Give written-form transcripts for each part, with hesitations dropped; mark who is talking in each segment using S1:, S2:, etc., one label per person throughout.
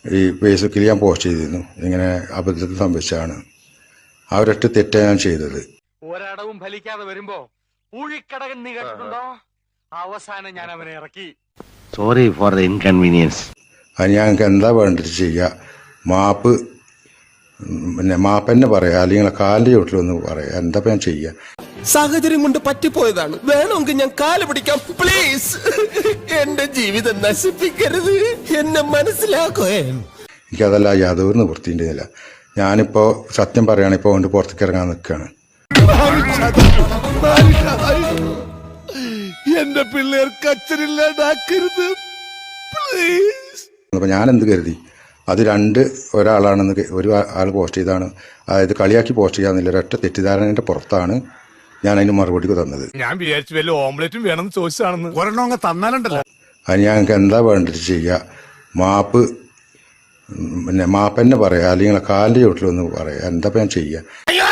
S1: ഈ ഫേസ്ബുക്കിൽ ഞാൻ പോസ്റ്റ് ചെയ്തിരുന്നു. ഇങ്ങനെ അബദ്ധത്തിൽ സംഭവിച്ചതാണ്. അവരൊറ്റ തെറ്റാണ് ഞാൻ ചെയ്തത്.
S2: ഒരടവും ഫലിക്കാതെ വരുമ്പോ ഊഴിക്കടകൻ നീ കേട്ടിട്ടുണ്ടോ? അവസാനം ഞാൻ അവനെ ഇറക്കി.
S3: Sorry for the inconvenience.
S1: അത് ഞങ്ങൾക്ക് എന്താ വേണ്ടത് ചെയ്യുക, മാപ്പ് പിന്നെ മാപ്പന്നെ പറയാം, അല്ലെങ്കിൽ കാലിൻ്റെ ചോട്ടിലൊന്ന് പറയാം. എന്താ ഞാൻ ചെയ്യുക?
S4: സാഹചര്യം കൊണ്ട് പറ്റിപ്പോയതാണ്. വേണമെങ്കിൽ ഞാൻ കാല് പിടിക്കാം, പ്ലീസ്. എന്റെ ജീവിതം നശിപ്പിക്കരുത്, എന്നെ മനസ്സിലാക്കോ.
S1: എനിക്കതല്ല യാതൊരു നിവൃത്തിൻ്റെയില്ല. ഞാനിപ്പോൾ സത്യം പറയുകയാണ്, ഇപ്പോൾ കൊണ്ട് പുറത്തേക്ക് ഇറങ്ങാൻ നിൽക്കുകയാണ്.
S4: എന്റെ പിള്ളേർക്ക് അച്ഛനില്ലാണ്ടാക്കരുത്, പ്ലീസ്.
S1: അപ്പോൾ ഞാൻ എന്ത് കരുതി, അത് ഒരാളാണെന്ന് ഒരു ആൾ പോസ്റ്റ് ചെയ്താണ്. അതായത് കളിയാക്കി പോസ്റ്റ് ചെയ്യാന്നില്ല, ഒരൊറ്റ തെറ്റിദ്ധാരണയുടെ പുറത്താണ് ഞാൻ അതിന് മറുപടി തന്നത്.
S2: ഞാൻ വിചാരിച്ചു വല്ല ഓംലെറ്റും വേണമെന്ന് ചോദിച്ചാണെന്ന്. ഒരെണ്ണം തന്നാലുണ്ടല്ലോ.
S1: അത് ഞങ്ങൾക്ക് എന്താ വേണ്ടത് ചെയ്യുക, മാപ്പ് പിന്നെ മാപ്പന്നെ പറയാം, അല്ലെങ്കിൽ കാലിൻ്റെ ചോട്ടിലൊന്ന് പറയാം. എന്താ ഞാൻ ചെയ്യുക?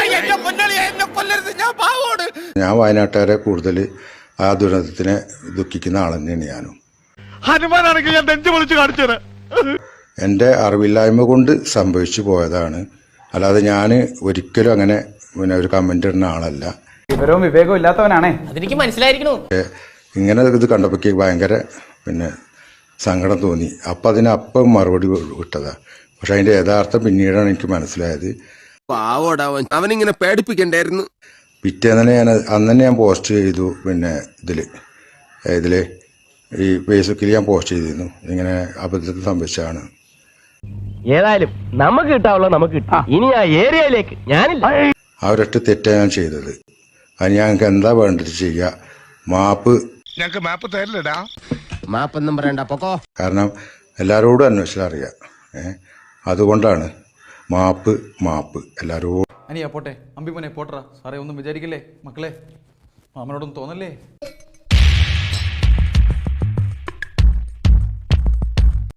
S1: ഞാൻ വയനാട്ടുകാരെ കൂടുതൽ ആ ദുരന്തത്തിനെ ദുഃഖിക്കുന്ന ആൾ തന്നെയാണ് ഞാനും.
S2: ഹനുമാനാണെങ്കിൽ ഞാൻ നെഞ്ചു പൊളിച്ച് കാണിച്ചത്
S1: എൻ്റെ അറിവില്ലായ്മ കൊണ്ട് സംഭവിച്ചു പോയതാണ്. അല്ലാതെ ഞാൻ ഒരിക്കലും അങ്ങനെ പിന്നെ ഒരു കമൻ്റ് ഇടുന്ന ആളല്ല.
S5: വിവരവും വിവേകവും ഇല്ലാത്തവനാണേ,
S6: അതെനിക്ക് മനസ്സിലായിരിക്കണു.
S1: ഇങ്ങനെ ഇത് കണ്ടപ്പോൾ ഭയങ്കര പിന്നെ സങ്കടം തോന്നി. അപ്പം അപ്പം മറുപടി വിട്ടതാ. പക്ഷെ അതിൻ്റെ യഥാർത്ഥം പിന്നീടാണ് എനിക്ക് മനസ്സിലായത്.
S4: അവനിങ്ങനെ പേടിപ്പിക്കണ്ടായിരുന്നു.
S1: പിറ്റേന്ന് അന്ന് തന്നെ ഞാൻ പോസ്റ്റ് ചെയ്തു. പിന്നെ ഇതിൽ ഈ ഫേസ്ബുക്കിൽ ഞാൻ പോസ്റ്റ് ചെയ്തിരുന്നു. ഇങ്ങനെ അബദ്ധത്തിൽ സംഭവിച്ചതാണ്.
S3: ഏതായാലും നമുക്ക് കിട്ടാവുള്ള നമുക്ക് കിട്ടാം. ഇനി ആ ഏരിയയിലേക്ക് ഞാനില്ല.
S1: അവരൊറ്റ തെറ്റാണ് ഞാൻ ചെയ്തത്. അത് ഞങ്ങൾക്ക് എന്താ വേണ്ടത് ചെയ്യുക, മാപ്പ്.
S2: ഞങ്ങൾക്ക് മാപ്പ് തരില്ലടാ.
S3: മാപ്പൊന്നും പറയണ്ട, പൊക്കോ.
S1: കാരണം എല്ലാവരോടും അന്വേഷിച്ചാൽ അറിയാം. അതുകൊണ്ടാണ് മാപ്പ് എല്ലാവരോടും.
S5: അനിയാ പോട്ടെ, അമ്പിമോനെ പോട്ടറ. സാറേ ഒന്നും വിചാരിക്കില്ലേ മക്കളെ, മാമനോടൊന്നും തോന്നല്ലേ?